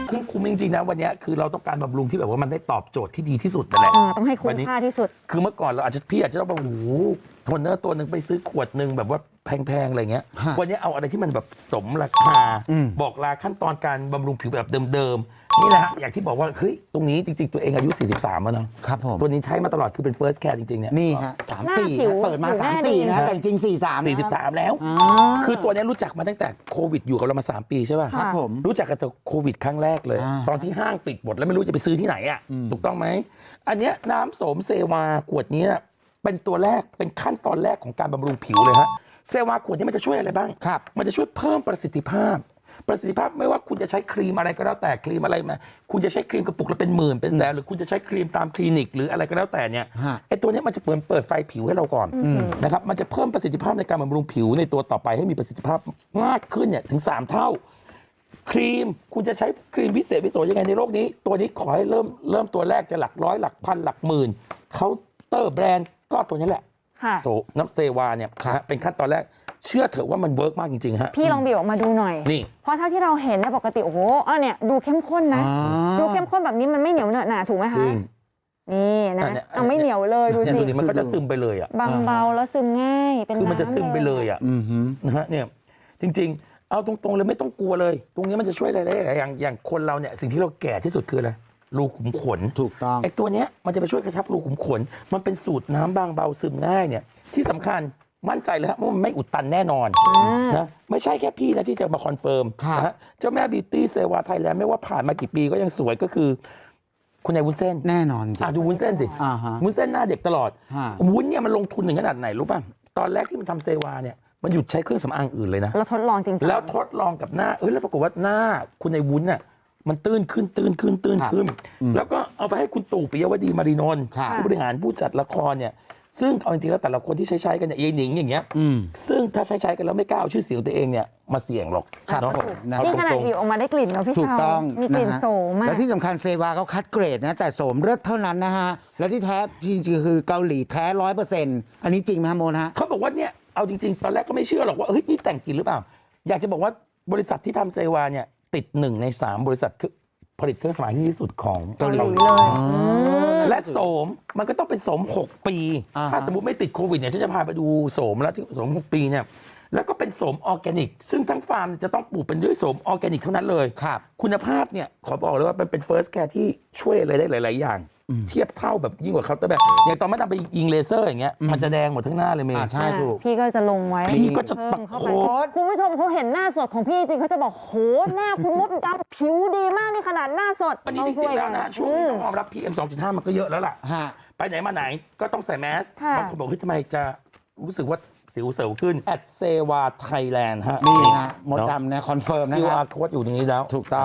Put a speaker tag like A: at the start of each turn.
A: คุ้มจริงๆนะวันนี้คือเราต้องการบำรุงที่แบบว่ามันได้ตอบโจทย์ที่ดีที่สุดนั่นแหละ
B: ต้องให้คุ้มค่าที่สุด
A: คือเมื่อก่อนเราพี่อาจจะต้องไปโทนเนอร์ตัวหนึ่งไปซื้อขวดหนึ่งแบบว่าแพงๆอะไรเงี้ยวันนี้เอาอะไรที่มันแบบสมราคาบอกลาขั้นตอนการบำรุงผิวแบบเดิมๆนี่แหละฮะอย่างที่บอกว่าเฮ้ยตรงนี้จริงๆตัวเองอายุ43แล้วเนาะ
C: ครับผม
A: ตัวนี้ใช้มาตลอดคือเป็น first care จริงๆเนี่ย
C: นี่ฮะ34เปิดมา34นะแต่จริง43
A: แล้วคือตัวนี้รู้จักมาตั้งแต่โควิดอยู่กับเรามา3ปีใช่ป่ะ
C: ครับผม
A: รู้จักกันแต่โควิดครั้งแรกเลยตอนที่ห้างปิดหมดแล้วไม่รู้จะไปซื้อที่ไหนอ่ะถูกต้องไหมอันเนี้ยน้ำโสมเซวาขวดนี้เป็นตัวแรกเป็นขั้นตอนแรกของการบำรุงผิวเลยฮะเซวาขวดนี้มันจะช่วยอะไรบ้างมันจะช่วยเพิ่มประสิทธิภาพไม่ว่าคุณจะใช้ครีมอะไรก็แล้วแต่ครีมอะไรมาคุณจะใช้ครีมกระปุกละเป็นหมื่นเป็นแสนหรือคุณจะใช้ครีมตามคลินิกหรืออะไรก็แล้วแต่เนี่ยไอ้ตัวนี้มันจะเปิดไฟผิวให้เราก่อนนะครับมันจะเพิ่มประสิทธิภาพในการบำรุงผิวในตัวต่อไปให้มีประสิทธิภาพมากขึ้นเนี่ยถึง3เท่าครีมคุณจะใช้ครีมวิเศษวิโสยังไงในโลกนี้ตัวนี้ขอให้เริ่มตัวแรกจะหลักร้อยหลักพันหลักหมื่นเคาน์เตอร์แบรนด์ก็ตัวนี้แหละโซน้ำเซวาเนี่ยเป็นขั้นตอนแรกเชื่อเถอะว่ามันเวิร์กมากจริงๆฮะ
B: พี่ลองบีบออกมาดูหน่อยนี่เพราะเท่าที่เราเห็นในปกติโอ้โหเนี่ยดูเข้มข้นนะดูเข้มข้นแบบนี้มันไม่เหนียวเหนอะหนาถูกไหมคะนี่นะเอาไม่เหนียวเลยดูสิ
A: มันก็จะซึมไปเลยอ่ะ
B: บางเบาแล้วซึมง่ายเป็น
A: คือมันจะซึมไปเลยอ่ะนะฮะเนี่ยจริงๆเอาตรงๆเลยไม่ต้องกลัวเลยตรงนี้มันจะช่วยอะไรได้หลายอย่างคนเราเนี่ยสิ่งที่เราแก่ที่สุดคืออะไรรูขุมขน
C: ถูกต้อง
A: ไอ้ตัวเนี้ยมันจะไปช่วยกระชับรูขุมขนมันเป็นสูตรน้ำบางเบาซึมง่ายเนี่ยที่สำคัญมั่นใจเลยครับว่ามันไม่อุดตันแน่นอนนะไม่ใช่แค่พี่นะที่จะมาคอนเฟิร์มนะฮะเจ้าแม่บิวตี้เซวาไทยแลนด์ไม่ว่าผ่านมากี่ปีก็ยังสวยก็คือคุณนายวุ้นเส้น
C: แน่นอน
A: ดูวุ้นเส้นสิวุ้นเส้นหน้าเด็กตลอดวุ้นเนี่ยมันลงทุนถึงขนาดไหนรู้ป่ะตอนแรกที่มันทำเซวาเนี่ยมันหยุดใช้เครื่องสำอางอื่นเลยนะ
B: แล้วทดลองจริงๆ
A: แล้วทดลองกับหน้าแล้วปรากฏว่าหน้าคุณนายวุ้นน่ะมันตื้นขึ้นแล้วก็เอาไปให้คุณตู่ปิยวดีมารีนนท์ผู้บริหารผู้จัดละครเนี่ยซึ่งเอาจริงๆแล้วแต่ละคนที่ใช้กันเนี่ยยายหนิงอย่างเงี้ยซึ่งถ้าใช้กันแล้วไม่กล้าเอาชื่อเสียงตัวเองเนี่ยมาเสี่ยงหรอก
B: เนาะนี่ขนาดบีบออกมาได้กลิ่นเนาะพี่
C: ถูกต้อง
B: มีกลิ่นโสมมาก
C: และที่สำคัญเซวาเขาคัดเกรดนะแต่โสมเลือดเท่านั้นนะฮะและที่แท้จริงๆคือเกาหลีแท้100%อันนี้จริงไหมฮะโมนะฮะ
A: เขาบอกว่าเนี่ยเอาจริงๆตอนแรกก็ไม่เชื่อหรอกว่าเฮ้ยนี่แต่งกลิ่นหรือเปล่าอยากจะบอกว่าบริษัทที่ทำเซวาเนี่ยติด1 ใน 3บริษัทผลิตเครื่องสำอางที่สุดของ
B: เกาหลีเลย
A: และโสมมันก็ต้องเป็นโสม6 ปีถ้าสมมติไม่ติดโควิดเนี่ยฉันจะพาไปดูโสมแล้วที่โสม6 ปีเนี่ยแล้วก็เป็นโสมออร์แกนิกซึ่งทั้งฟาร์มจะต้องปลูกเป็นด้วยโสมออร์แกนิกเท่านั้นเลยคุณภาพเนี่ยขอบอกเลยว่ามันเป็นเฟิร์สแคร์ที่ช่วยอะไรได้หลายๆอย่างเทียบเท่าแบบยิ่งกว่าเคาน์เตอร์แบบอย่างตอนไม่ทำไปยิงเลเซอร์อย่างเงี้ยมันจะแดงหมดทั้งหน้าเลยเมย์
C: ใช่ถูก
B: พี่ก็จะลงไว้
A: พี่ก็จะประโคตร
B: คุณผู้ชมเขาเห็นหน้าสดของพี่จริงเขาจะบอกโหหน้าคุณมดดำผิวดีมากนี่ขนาดหน้าสด
A: วันนี้จริงๆแล้วนะช่วงนี้ต้องยอมรับ PM 2.5 มันก็เยอะแล้วล่ะไปไหนมาไหนก็ต้องใส่แมสบางคนบอกว่าทำไมจะรู้สึกว่าสิวเสวขึ้น@เซวาไทยแลนด์ฮะ
C: นี่ฮะมดดำนะคอนเฟิร์มนะครับ
A: QR Code อยู่ตรงนี้แล้ว
C: ถูกต้อง